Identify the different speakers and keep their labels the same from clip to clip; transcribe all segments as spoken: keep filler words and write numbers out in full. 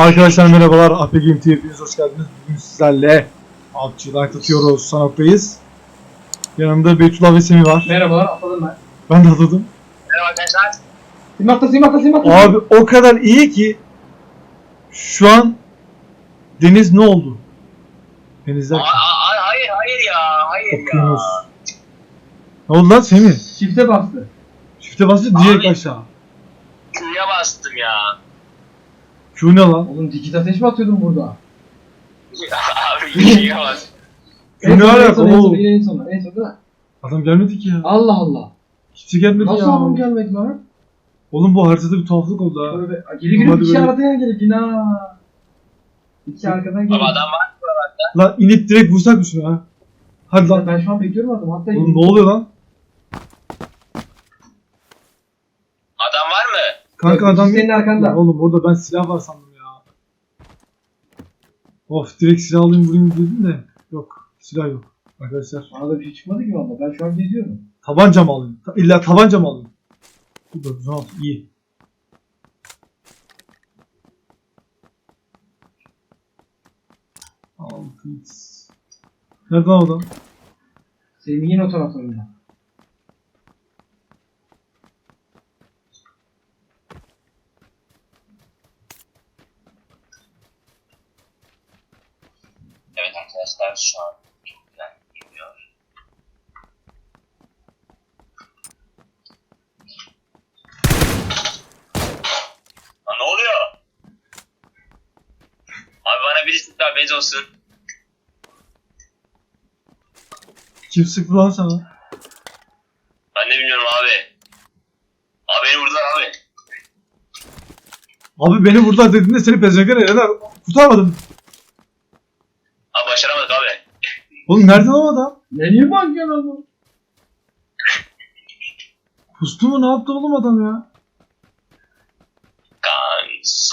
Speaker 1: Arkadaşlar merhabalar, A P Game T V'ye hoş geldiniz. Bugün sizlerle avcılar tutuyoruz, Sanok'tayız. Yanımda Beytullah ve Semih var.
Speaker 2: Merhabalar, atladım ben.
Speaker 1: Ben de atladım.
Speaker 3: Merhaba arkadaşlar.
Speaker 2: Simakta, simakta, simakta.
Speaker 1: Abi o kadar iyi ki şu an deniz ne oldu? Denizler
Speaker 3: Aa, aa, hayır hayır ya, hayır
Speaker 1: okyanus.
Speaker 3: ya.
Speaker 1: Ne oldu lan Semih?
Speaker 2: Çifte bastı.
Speaker 1: Çifte bastı direkt
Speaker 3: Abi.
Speaker 1: aşağı.
Speaker 3: Q'ya bastım ya.
Speaker 1: Şu ne lan?
Speaker 2: Oğlum dikit ateş mi atıyordun burada?
Speaker 3: Abi Q'ya bastım.
Speaker 1: Şu ne
Speaker 2: en
Speaker 1: alaka
Speaker 2: son, en son,
Speaker 1: oğlum?
Speaker 2: yine en son, en son değil mi?
Speaker 1: Adam gelmedi ki ya.
Speaker 2: Allah Allah.
Speaker 1: Kimse gelmedi
Speaker 2: Nasıl
Speaker 1: ya.
Speaker 2: adam gelmedi lan?
Speaker 1: Oğlum bu haritada bir tuhaflık oldu ha.
Speaker 2: Böyle geri girip
Speaker 1: Hadi
Speaker 2: iki
Speaker 1: böyle.
Speaker 2: aradan gelip yine ha. İki arkadan gelip.
Speaker 3: Abi adam var mı buralarda?
Speaker 1: Lan inip direkt vursak mı şunu ha? Hadi lan.
Speaker 2: Ben şu an bekliyorum adam. Hatta
Speaker 1: Oğlum ne oluyor lan?
Speaker 3: Adam var mı?
Speaker 1: Kanka
Speaker 2: Yok,
Speaker 1: adam...
Speaker 2: senin arkanda.
Speaker 1: Ya oğlum orada ben silah var sandım ya. Of direkt silah alayım vurayım dedim de. Yok silah yok arkadaşlar.
Speaker 2: Bana da bir şey çıkmadı ki valla. Ben şu an geziyorum.
Speaker 1: Tabanca mı alayım? Ta- İlla tabanca mı alayım? Bu dokuz on altı iyi. altı x. Nereden adam?
Speaker 2: Semih'in o taraflarında.
Speaker 3: Evet arkadaşlar şu an çok güzel gidiyor. Lan ne oluyor? Abi bana birisi daha bez olsun.
Speaker 1: Kim sıktı lan sana?
Speaker 3: Ben de bilmiyorum abi. Abi beni vurdular abi.
Speaker 1: Abi beni vurdular dediğinde seni pezevenkler eleler. Kurtarmadım.
Speaker 3: Abi başaramadık abi.
Speaker 1: Oğlum nereden o adam?
Speaker 2: Ne niye bakıyorsun oğlum?
Speaker 1: Pustu mu ne yaptı oğlum adam ya?
Speaker 3: Kans.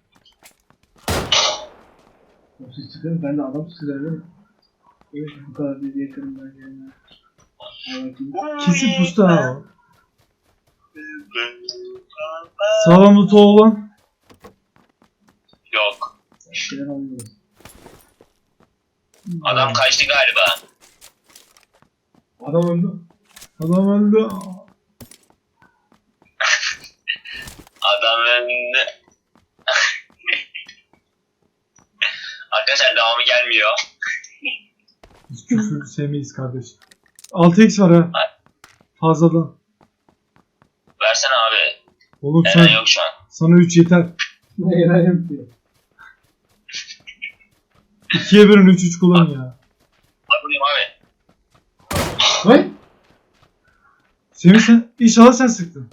Speaker 2: O siz çıkın ben de adam sıkıyorum. Evet bu kadar bir yakınımdan gelme.
Speaker 1: Kesin pustu ha o. Sağlamlı tuğ olan.
Speaker 3: Yok.
Speaker 2: Şeyler alıyoruz.
Speaker 3: Adam kaçtı galiba.
Speaker 2: Adam öldü.
Speaker 1: Adam öldü.
Speaker 3: Adam önünde. Arkadaşlar devamı gelmiyor.
Speaker 1: Biz küfür sevmeyiz kardeş. altı x var ha. Fazladan.
Speaker 3: Versene abi.
Speaker 1: Oğlum sen,
Speaker 3: Eren yok şu an.
Speaker 1: sana üç yeter.
Speaker 2: Ne yalan yapıyor.
Speaker 1: ikiye bölün üç üç kullan ya.
Speaker 3: Bak buradayım abi.
Speaker 2: Vay.
Speaker 1: Semih sen inşallah sen sıktın.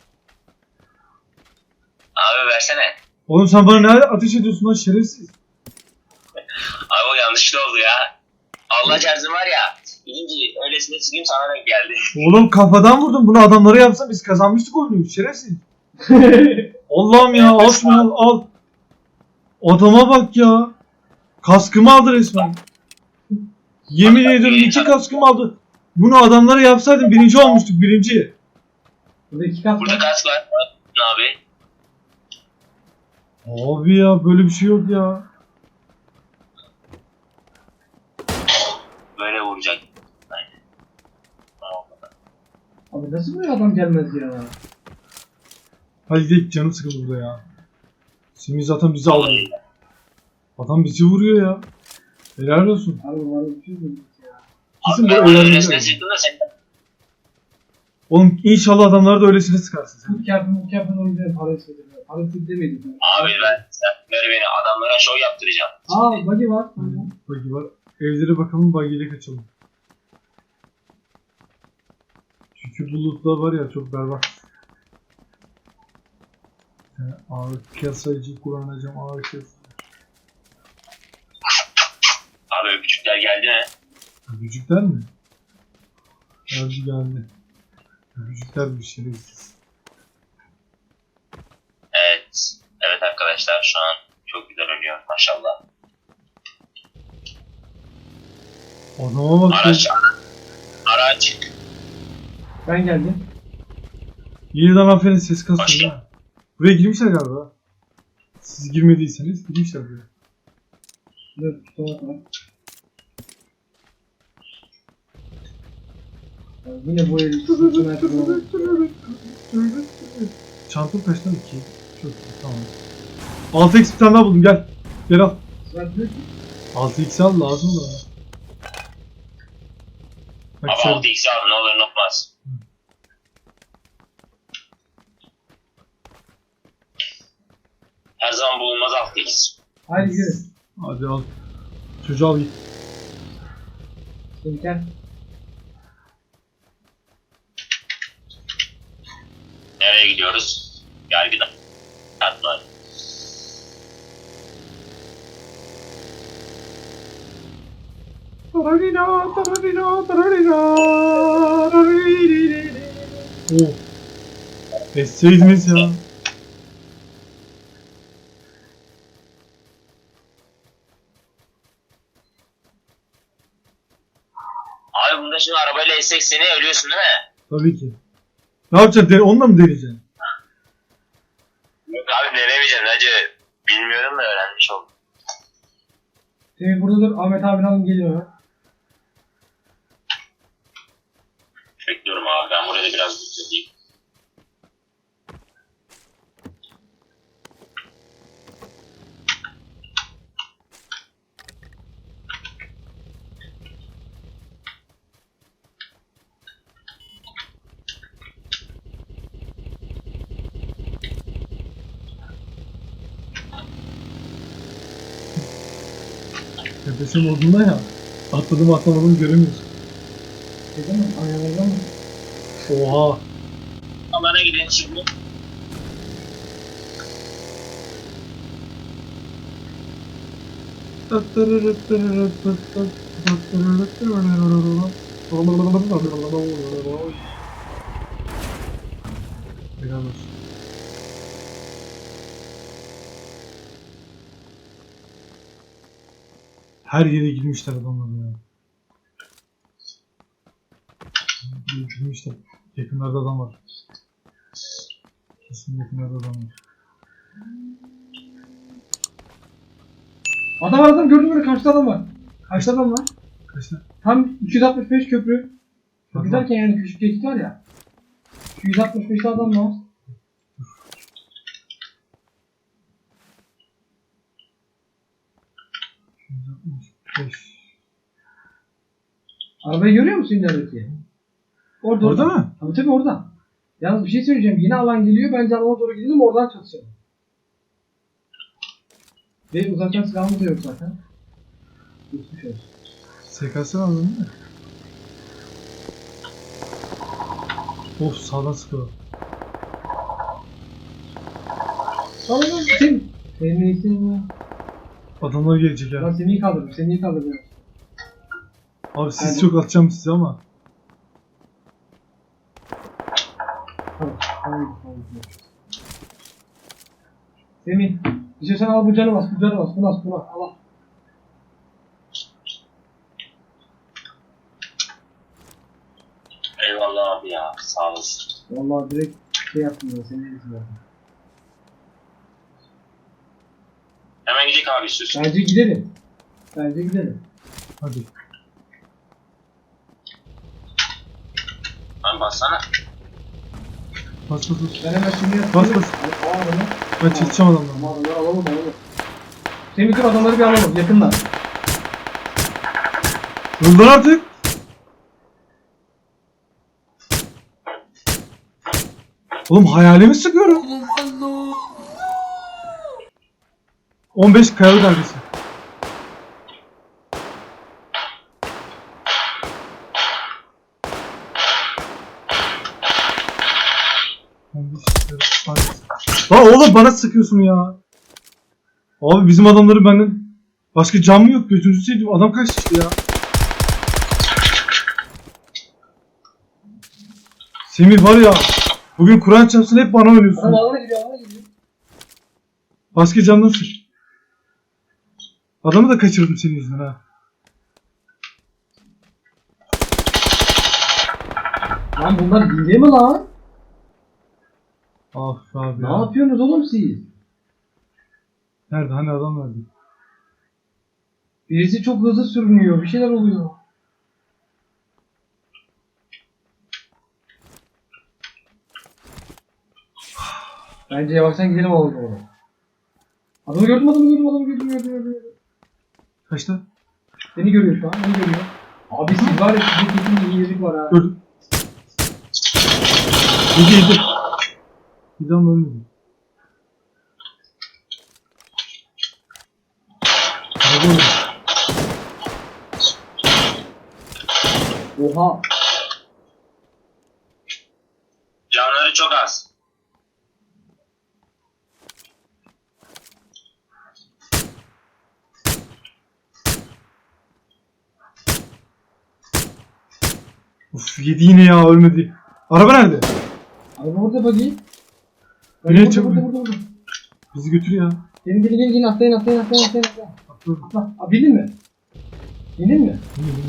Speaker 3: Abi versene.
Speaker 1: Oğlum sen bana ne ateş ediyorsun lan şerefsiz.
Speaker 3: Abi o yanlışlı oldu ya. Allah çarpsın var ya. Birinci öylesine sıkayım sana denk geldi.
Speaker 1: Oğlum kafadan vurdum bunu adamlara yapsam biz kazanmıştık oyunu şerefsiz. Allah'ım ya al şunu al al. Adama bak ya. Kaskımı aldı resmen. Yemin ediyorum iki kaskımı aldı. Bunu adamlara yapsaydım birinci olmuştuk birinci.
Speaker 2: Burada iki kat
Speaker 3: Burada
Speaker 2: var.
Speaker 3: kask var. Ne abi?
Speaker 1: Abi ya böyle bir şey yok ya.
Speaker 3: Böyle vuracak. Aynen.
Speaker 2: Abi nasıl böyle adam gelmez ya?
Speaker 1: Hadi gidelim canım sıkıldı burada ya. Semih zaten bizi aldı. Adam bizi vuruyor ya. Helal olsun.
Speaker 2: Abi bana bir şey söyleyeyim ya.
Speaker 1: Kesin bu
Speaker 3: Ben öylesine
Speaker 1: öğrenci.
Speaker 3: sıktım da sen.
Speaker 1: Oğlum inşallah adamlar da öylesine sıkarsın sen.
Speaker 2: Bu kâfın bu kâfın o yüzden para istedim. Para istedim demedim.
Speaker 3: Abi ben sen ver beni adamlara şov yaptıracağım.
Speaker 2: Aa buggy var.
Speaker 1: Bagi var. Evlere bakalım bagiyle kaçalım. Çünkü bulutlar var ya çok berbat. Yani ağır kasayıcı kullanacağım ağır kasayıcı.
Speaker 3: Abi öpücükler geldi mi?
Speaker 1: Öpücükler mi? Geldi geldi. Öpücükler bir şerefsiz.
Speaker 3: Evet. Evet arkadaşlar şu an çok güzel oynuyor maşallah.
Speaker 1: Adama bak.
Speaker 3: Araç. Araç.
Speaker 2: Ben geldim.
Speaker 1: Yeniden aferin ses
Speaker 3: Hoş
Speaker 1: kasıyor ha. Buraya girmişler galiba. Siz girmediyseniz girmişler buraya.
Speaker 2: Dur, tutumak var. Ya yine bu herif sıkıntı merkezi.
Speaker 1: Çantam kaç lan? iki. Çok iyi, tamam. altı x bir tane daha buldum, gel. Gel al.
Speaker 2: Bırak.
Speaker 1: altı x al, lazım da. Bak
Speaker 3: Abi
Speaker 1: sen.
Speaker 3: altı x al ne olur ne olmaz. Her zaman bulunmaz altı x.
Speaker 2: Haydi gidelim.
Speaker 1: Hadi al. Çocuğu al git.
Speaker 2: Şimdi gel.
Speaker 3: Nereye gidiyoruz? Yargıda. Atlar.
Speaker 1: Tararina, tararina, tararina, tararina. Oh. Esseydiniz ya.
Speaker 3: Abi bunda şimdi arabayla essek seni ölüyorsun değil mi?
Speaker 1: Tabii ki. Ne yapacaksın? De- Onunla mı deneyeceksin?
Speaker 3: Yok abi denemeyeceğim. Bence bilmiyorum da öğrenmiş oldum.
Speaker 2: Semih burada dur. Ahmet abini alın geliyor.
Speaker 3: Bekliyorum abi ben buraya da biraz bekleteyim.
Speaker 1: Nefesim olduğunda ya. Atladım atlamadım göremiyorsun.
Speaker 2: Dedim mi? Ayarlarda mı?
Speaker 1: Oha.
Speaker 3: Alana gidin şimdi.
Speaker 1: Helal olsun. Her yere girmişler adamlar ya. Girmişler. Yakınlarda adam var. Kesin yakınlarda adam var.
Speaker 2: Adam var adam gördün mü? Karşıda adam var. Karşıda adam var.
Speaker 1: Kaçlar?
Speaker 2: Tam iki yüz altmış beş köprü.
Speaker 1: Bak,
Speaker 2: Köprü derken yani küçük geçit var ya. iki yüz altmış beşte adam var.
Speaker 1: beş.
Speaker 2: Arabayı görüyor musun ilerideki? Orada
Speaker 1: Orada mı?
Speaker 2: Tabii tabii orada. Yalnız bir şey söyleyeceğim. Yine alan geliyor. Bence alana doğru gidelim oradan çatışalım. Ve uzaktan silahımız da yok zaten. Geçmiş olsun.
Speaker 1: S K S aldın değil mi? Of sağdan sıkıyor.
Speaker 2: Tamam lan sen. Senin iyisin ya.
Speaker 1: Adamlar gelecek
Speaker 2: Ben
Speaker 1: ya.
Speaker 2: seni iyi kaldırdım. Seni iyi kaldırdım.
Speaker 1: Abi siz
Speaker 2: Hadi.
Speaker 1: çok atacağım size ama.
Speaker 2: Tamam. Tamam. Tamam. Semih. İstiyorsan al bu canı bas. Bu canı bas. Bunu bas. Bunu bas. Al al.
Speaker 3: Eyvallah abi ya sağ olasın.
Speaker 2: Vallahi direkt şey yaptım ben. Senin iyisin zaten.
Speaker 3: Hemen gidelim abi istiyorsun.
Speaker 2: Bence gidelim. Bence gidelim.
Speaker 1: Hadi.
Speaker 3: Lan bassana.
Speaker 1: Bas bas bas.
Speaker 2: Ben hemen şimdi yapayım.
Speaker 1: Bas, bas.
Speaker 2: Al al onu.
Speaker 1: Ben çekeceğim adamları.
Speaker 2: Ama adamları alalım alalım. Semih dur adamları bir alalım. Yakınlar.
Speaker 1: Öldür artık. Oğlum hayalimi sıkıyorum. on beş kayalı dalgası. Lan oğlum bana sıkıyorsun ya. Abi bizim adamları benden başka can mı yok, gözünüzü seveyim, adam kaçtı işte ya. Semih var ya, bugün Kur'an çarpsın hep bana oynuyorsun.
Speaker 2: Adam alana gidiyor alana gidiyor.
Speaker 1: Başka candan sık. Adamı da kaçırdım senin yüzünden ha.
Speaker 2: Lan bunlar hile mi lan?
Speaker 1: Ah abi
Speaker 2: Ne
Speaker 1: ya.
Speaker 2: yapıyorsunuz oğlum siz?
Speaker 1: Nerede? Hani adam nerede?
Speaker 2: Birisi çok hızlı sürünüyor. Bir şeyler oluyor. Bence yavaştan gidelim oğlum oraya. Adamı gördüm, adamı gördüm, adamı gördüm, gördüm, gördüm. gördüm.
Speaker 1: Kaçta?
Speaker 2: Beni görüyor şu an, beni görüyor. Abi siz var ya, sizin kesin bir iyilik var ha.
Speaker 1: Gördüm. Yedi yedi. Bir daha mı ölmedi? Araba öldü.
Speaker 2: Oha.
Speaker 3: Canları çok az.
Speaker 1: Of yedi yine ya ölmedi. Araba nerede?
Speaker 2: Araba burada bakayım.
Speaker 1: Nereye
Speaker 2: Burada,
Speaker 1: çabuk?
Speaker 2: burada, burada, burada.
Speaker 1: Bizi götür ya.
Speaker 2: Gelin, gelin, gelin, gelin, atlayın, atlayın, atlayın, atlayın, atlayın.
Speaker 1: Atladım.
Speaker 2: Atla. Abi bildin mi? Bildin mi?
Speaker 1: Yine yine.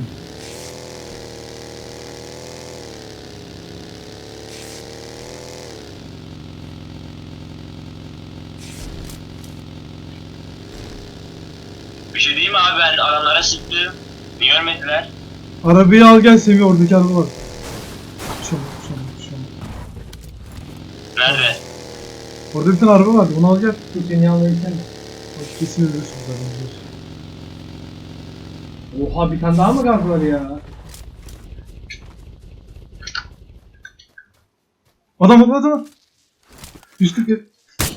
Speaker 3: Bir şey diyeyim mi abi, ben adamlara sıktım. Niye ölmediler?
Speaker 1: Arabayı al gel Semih, oradaki araba var. Şuna şuna şuna.
Speaker 3: Nerede?
Speaker 1: Orada bir tane araba vardı, onu al gel.
Speaker 2: Dur seni almayı sen mi?
Speaker 1: Bak, kesin ölürsün zaten. biliyorsun.
Speaker 2: Oha, bir tane daha mı gaz var ya?
Speaker 1: Adam adam adam. yüz kırk gel.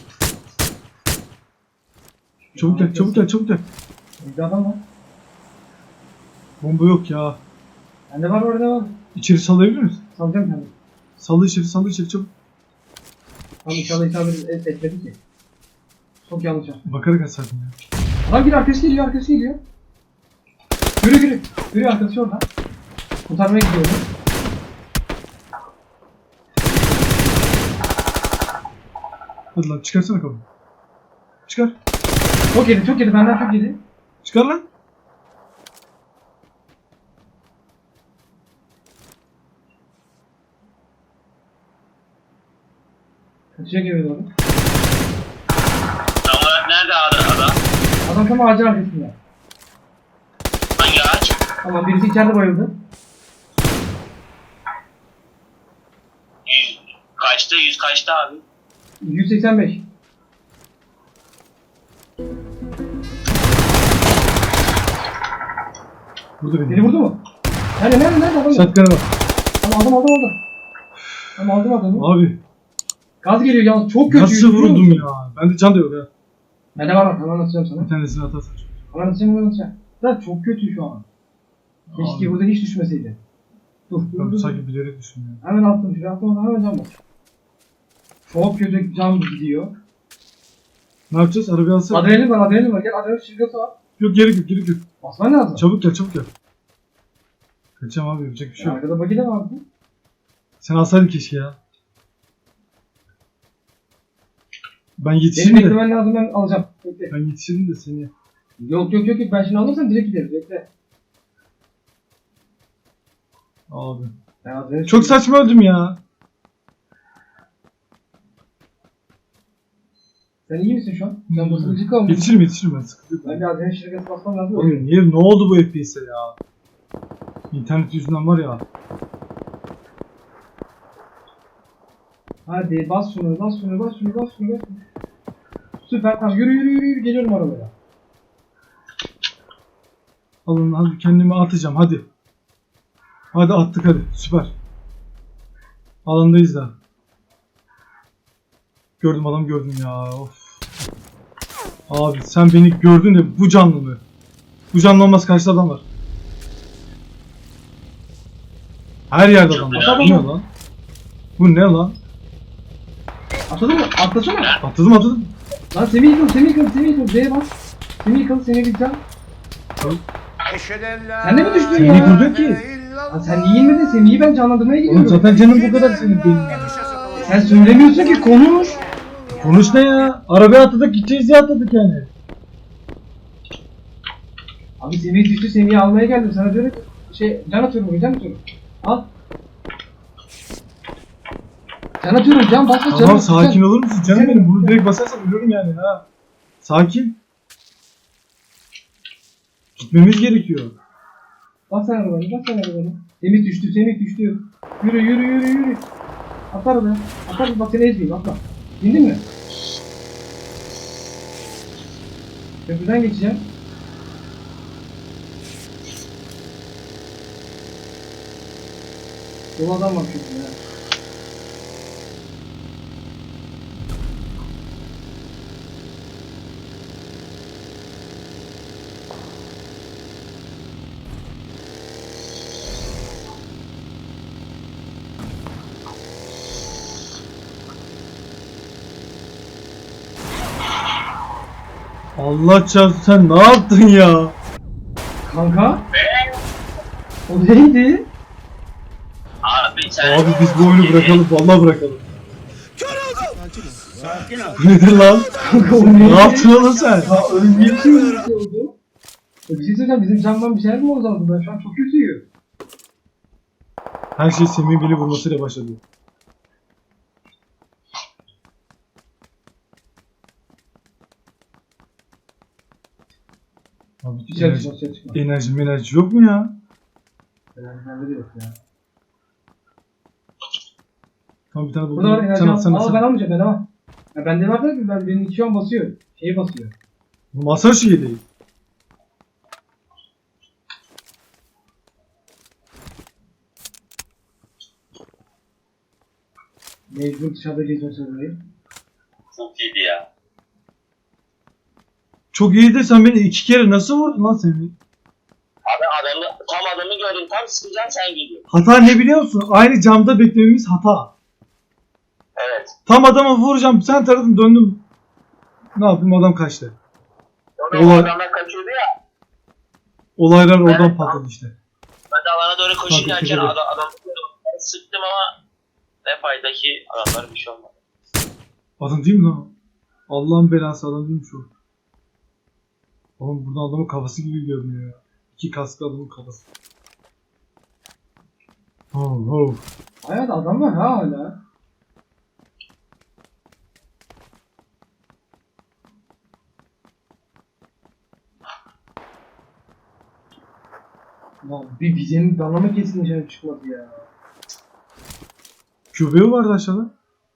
Speaker 1: Çabuk gel, çabuk gel, çabuk gel.
Speaker 2: Bizde adam var.
Speaker 1: Bomba yok ya.
Speaker 2: Bende var, orada var.
Speaker 1: İçeri sallayabilir misin?
Speaker 2: Salacağım kendimi.
Speaker 1: Salla içeri, salla içeri çabuk.
Speaker 2: Tam inşallah isabet et, etmedi ki. Çok yanlış yaptım.
Speaker 1: Bakarak atsaydın ya.
Speaker 2: Adam geliyor, arkası geliyor, arkası geliyor. Yürü yürü. Yürü, arkası orada. Kurtarmaya gidiyorum.
Speaker 1: Hadi lan çıkarsana kapıyı. Çıkar.
Speaker 2: Çok yedi, çok yedi, benden çok yedi.
Speaker 1: Çıkar lan.
Speaker 2: Kaçacak eve doğru.
Speaker 3: Tam olarak nerede adam? adam?
Speaker 2: Adam tam ağacın arkasında.
Speaker 3: Hangi ağaç?
Speaker 2: Tamam, birisi içeride bayıldı.
Speaker 3: Yüz kaçta? Yüz kaçta abi?
Speaker 2: yüz seksen beş.
Speaker 1: Burada beni.
Speaker 2: Beni vurdu mu? Nerede, nerede, nerede adam?
Speaker 1: Şatkanı var.
Speaker 2: Tamam, aldım, aldım, aldım. Tamam, aldım adamı.
Speaker 1: Abi
Speaker 2: Gaz geliyor yalnız, çok kötü.
Speaker 1: nasıl vuruldum ya? Bende can da yok ha.
Speaker 2: Bende var, hemen anlatacağım sana.
Speaker 1: Bir tanesini atarsan.
Speaker 2: Hemen anlatacağım, hemen anlatacağım. Zaten çok kötü şu an. Keşke
Speaker 1: Abi.
Speaker 2: burada hiç düşmeseydi. Dur, dur,
Speaker 1: Ben
Speaker 2: dur.
Speaker 1: sanki bilerek düşünüyorum.
Speaker 2: Hemen attım, şuraya attım, hemen can bas. Çok kötü can gidiyor.
Speaker 1: Ne yapacağız? Arabayı alsana.
Speaker 2: Adrenalin var, adrenalin var. Gel, adrenalin şirketi var.
Speaker 1: Yok gerek yok, gerek yok.
Speaker 2: Basman lazım.
Speaker 1: Çabuk gel, çabuk gel. Kaçacağım abi, yapacak bir şey
Speaker 2: Ya,
Speaker 1: yok.
Speaker 2: arkada bagi de vardı.
Speaker 1: Sen alsaydın keşke ya. Ben
Speaker 2: Benim
Speaker 1: yetişirim de.
Speaker 2: beklemen lazım, ben alacağım. Bekle.
Speaker 1: Ben yetişirim de seni.
Speaker 2: Yok yok yok yok, ben şimdi alırsam direkt gideriz, bekle.
Speaker 1: Abi.
Speaker 2: Ben adrenalin
Speaker 1: Çok saçma öldüm ya.
Speaker 2: Sen iyi misin şu an? Sen basılı kalmışsın.
Speaker 1: Yetişirim yetişirim ben, sıkıntı yok.
Speaker 2: Ben bir adrenalin şirketi basmam lazım.
Speaker 1: Oğlum niye, ne oldu bu F P S'e ya? İnternet yüzünden var ya.
Speaker 2: Hadi bas şunu, bas şunu, bas şunu, bas şunu, bas şunu. Süper, tamam, yürü yürü yürü, yürü. Geliyorum arabaya.
Speaker 1: Alın hadi, kendimi atacağım hadi. Hadi attık hadi, süper. Alandayız da. Gördüm, adam gördüm ya, of. Abi sen beni gördün de bu canlı mı? Bu canlı olmaz, karşıda adam var. Her yerde adam var. Bu ne lan? Bu ne lan?
Speaker 2: Atladın mı? Atlasana.
Speaker 1: Atladım atladım.
Speaker 2: Lan Semih yıkıl, Semih yıkıl, Semih yıkıl. Z'ye bas. Semih yıkıl, Semih yıkıl. Sen de mi düştün
Speaker 1: Sen
Speaker 2: ya?
Speaker 1: niye durdun ki?
Speaker 2: Lan sen niye inmedin? Semih'i ben canlandırmaya gidiyorum.
Speaker 1: Oğlum zaten canım bu kadar senin benim ya.
Speaker 2: Sen söylemiyorsun ki, konuş.
Speaker 1: Konuş ne ya? Arabaya atladık, gideceğiz diye atladık yani.
Speaker 2: Abi Semih düştü, Semih'i almaya geldim. Sana diyorum ki, şey, can atıyorum bugün, can atıyorum. Al. Can atıyorum, can bas bas, can
Speaker 1: Tamam
Speaker 2: bas,
Speaker 1: sakin
Speaker 2: can.
Speaker 1: olur musun canım benim? Bunu direkt basarsam ölürüm yani ha. Sakin. Gitmemiz gerekiyor.
Speaker 2: Bas sen arabanı, bas sen arabanı. Semih düştü, Semih düştü. Yürü, yürü, yürü, yürü. Atla arabaya. Atla, bak seni ezmeyeyim, atla. İndin mi? Köprüden geçeceğim. Dolu adam var köprüde. ha.
Speaker 1: Allah çarpsın, sen ne yaptın ya?
Speaker 2: Kanka? O neydi?
Speaker 3: Abi sen...
Speaker 1: Abi biz bu oyunu bırakalım, vallahi bırakalım.
Speaker 4: Sakin ol.
Speaker 1: Bu nedir lan?
Speaker 2: Kanka o neydi?
Speaker 1: Ne yaptın oğlum sen?
Speaker 2: Ya ölmeye bir şey mi bir şey oldu? Ya bir şey söyleyeceğim, bizim camdan bir şeyler mi oldu zaman? Ben şu an çok kötüyüm.
Speaker 1: Her şey Semih'in beni vurmasıyla başladı. Abi
Speaker 2: Dışarı
Speaker 1: enerji,
Speaker 2: çıkma, dışarı çıkma.
Speaker 1: enerji, enerji yok mu ya?
Speaker 2: Enerji bende de yok ya.
Speaker 1: Tamam bir tane buldum.
Speaker 2: Burada var enerji
Speaker 1: Sen al,
Speaker 2: al.
Speaker 1: sen al,
Speaker 2: Aa
Speaker 1: sen
Speaker 2: ben
Speaker 1: al.
Speaker 2: almayacağım, ben alamam. Ya bende var da ben, benim iki an basıyor. Şeyi basıyor.
Speaker 1: Masa şeyi değil.
Speaker 2: Mecbur dışarıda gezmek zorundayım.
Speaker 3: Çok iyiydi ya.
Speaker 1: Çok iyi de sen beni iki kere nasıl vurdun lan Semih?
Speaker 3: Abi adamı, tam adamı gördüm. Tam sıkacağım sen geliyor.
Speaker 1: Hata ne biliyor musun? Aynı camda beklememiz hata.
Speaker 3: Evet.
Speaker 1: Tam adamı vuracağım, sen taradın döndüm. Ne yapayım, adam kaçtı.
Speaker 3: Sonra o
Speaker 1: Olay-
Speaker 3: adamlar kaçıyordu ya.
Speaker 1: Olaylar oradan
Speaker 3: Evet,
Speaker 1: patladı işte.
Speaker 3: Ben de alana doğru koşurken
Speaker 1: Kanka,
Speaker 3: adam, adamı sıktım ama ne fayda ki adamlara bir şey olmadı.
Speaker 1: Adam değil mi lan? Allah'ın belası adam değil mi şu? Oğlum buradan adamın kafası gibi görünüyor ya. İki kasklı adamın kafası. Oh, oh.
Speaker 2: Hayat adam var ha hala. Lan bir bizim danlama kesin dışarı çıkmadı ya.
Speaker 1: Köpeği vardı aşağıda.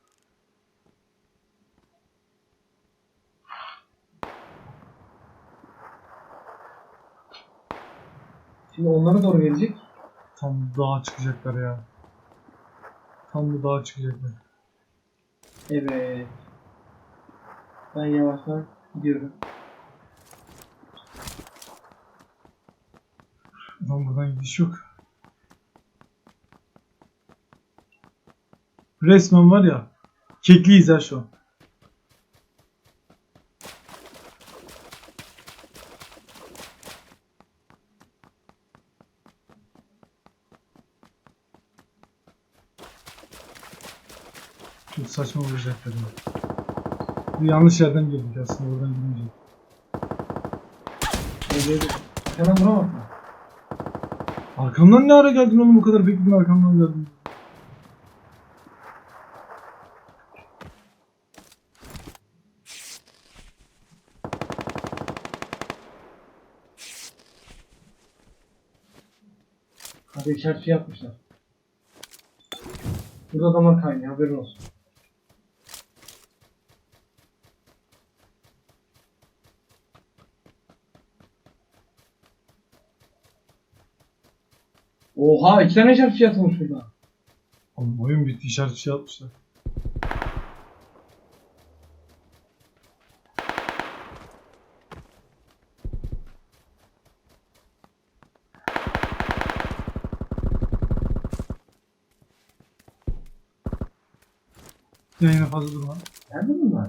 Speaker 2: Şimdi onlara doğru gelecek.
Speaker 1: Tam dağa çıkacaklar ya. Tam bu dağa çıkacaklar.
Speaker 2: Evet. Ben yavaştan gidiyorum.
Speaker 1: Lan buradan gidiş yok. Resmen var ya. Kekliyiz ha şu an. Çok saçma vuracaklar ya. Bir yanlış yerden girdik aslında, oradan girmeyecek.
Speaker 2: Evet. Hemen vuramaz mı?
Speaker 1: Arkamdan ne ara geldin oğlum, bu kadar bekledin arkamdan geldin.
Speaker 2: Hadi işaret şey yapmışlar. Burada adamlar kaynıyor, haberin olsun. Oha, iki tane işaret şey atılmış burada.
Speaker 1: Oğlum oyun bitti, işaret şey atmışlar. Yine fazla durma.
Speaker 2: Nerede bunlar?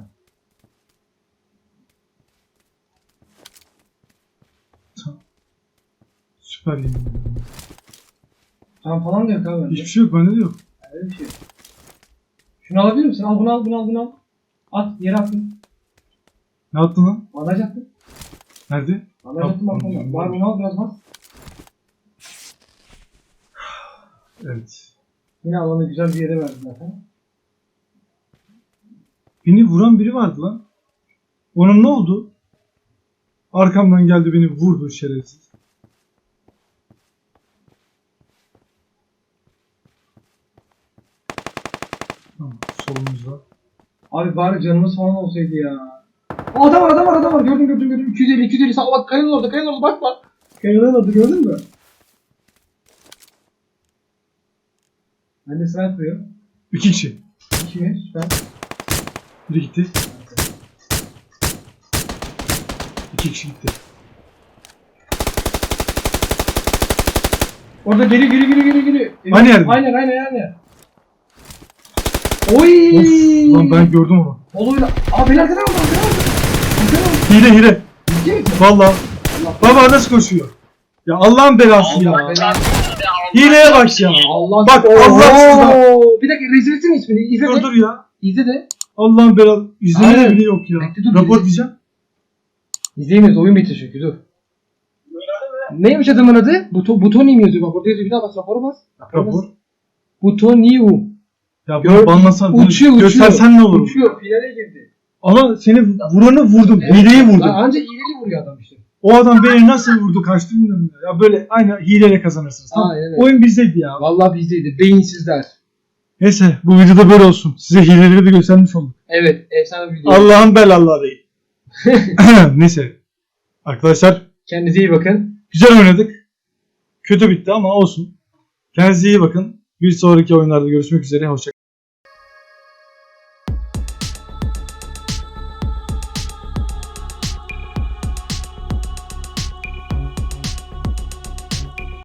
Speaker 1: Süper yemin ederim.
Speaker 2: Tam falan da yok abi bende.
Speaker 1: Hiçbir şey yok, bende de yok.
Speaker 2: Öyle bir şey yok. Şunu alabilir misin? Al bunu al bunu al bunu al. At yere attın.
Speaker 1: Ne yaptın lan?
Speaker 2: Bandaj attın.
Speaker 1: Nerede?
Speaker 2: Bandaj attın bak
Speaker 1: Tamam,
Speaker 2: Var bunu al biraz bas.
Speaker 1: Evet.
Speaker 2: Yine alanı güzel bir yere verdi zaten.
Speaker 1: Beni vuran biri vardı lan. Onun ne oldu? Arkamdan geldi beni vurdu şerefsiz. Tamam, solumuzda.
Speaker 2: Abi bari canımız falan olsaydı ya. Aa, adam var adam var adam var. Gördüm gördüm gördüm. iki yüz elli iki yüz elli sağ bak kayanın orada kayanın orada bak bak. Kayanın orada gördün mü? Bende sniper yapıyor.
Speaker 1: İki kişi.
Speaker 2: İki mi? Süper.
Speaker 1: Biri gitti. İki kişi gitti.
Speaker 2: Orada geri geri geri geri geri.
Speaker 1: Aynı yerde.
Speaker 2: Aynen aynen aynen. Oy!
Speaker 1: Of lan ben gördüm onu.
Speaker 2: Oluyla. Aa beni arkadan aldı arkadan aldı. Arkadan aldı.
Speaker 1: Hile hile.
Speaker 2: Ciddi misin?
Speaker 1: Valla.
Speaker 2: Allah
Speaker 1: Baba nasıl koşuyor? Ya Allah'ın belası ya.
Speaker 3: Allah çarpsın ya, Allah
Speaker 1: Hileye bak ya.
Speaker 2: Allah.
Speaker 1: Bak, Allahsız
Speaker 2: Oo! Bir dakika rezil etsene ismini. İzle
Speaker 1: Dur
Speaker 2: de.
Speaker 1: dur ya.
Speaker 2: İzle de.
Speaker 1: Allah'ın belası. İzleme
Speaker 2: Aynen.
Speaker 1: bile yok ya.
Speaker 2: Bekle, dur,
Speaker 1: Rapor
Speaker 2: izle.
Speaker 1: diyeceğim.
Speaker 2: İzleyemiyoruz. Oyun bitti çünkü. Dur. Neymiş adamın adı? Buto, Butoni mi yazıyor? Bak orada yazıyor. Bir daha bas. Rapora bas. Rapora bas.
Speaker 1: Rapor.
Speaker 2: Butoniu.
Speaker 1: Ya
Speaker 2: Gör-
Speaker 1: bunu banlasan, bunu
Speaker 2: Uçuyor uçuyor.
Speaker 1: göstersen ne olur?
Speaker 2: Uçuyor. Finale girdi.
Speaker 1: Ama seni vuranı vurdum.
Speaker 2: Evet.
Speaker 1: Hileyi vurdum.
Speaker 2: Lan anca hileli vuruyor adam işte.
Speaker 1: O adam beni nasıl vurdu kaçtı bilmiyorum ya. Ya böyle aynı hileyle kazanırsınız. Tamam.
Speaker 2: Aynen öyle.
Speaker 1: Oyun bizdeydi ya.
Speaker 2: Vallahi bizdeydi. Beyinsizler.
Speaker 1: Neyse bu videoda böyle olsun. Size hileleri de göstermiş olduk.
Speaker 2: Evet. Efsane bir video.
Speaker 1: Allah'ın belaları. Neyse. Arkadaşlar
Speaker 2: Kendinize iyi bakın.
Speaker 1: güzel oynadık. Kötü bitti ama olsun. Kendinize iyi bakın. Bir sonraki oyunlarda görüşmek üzere. Hoşçakalın.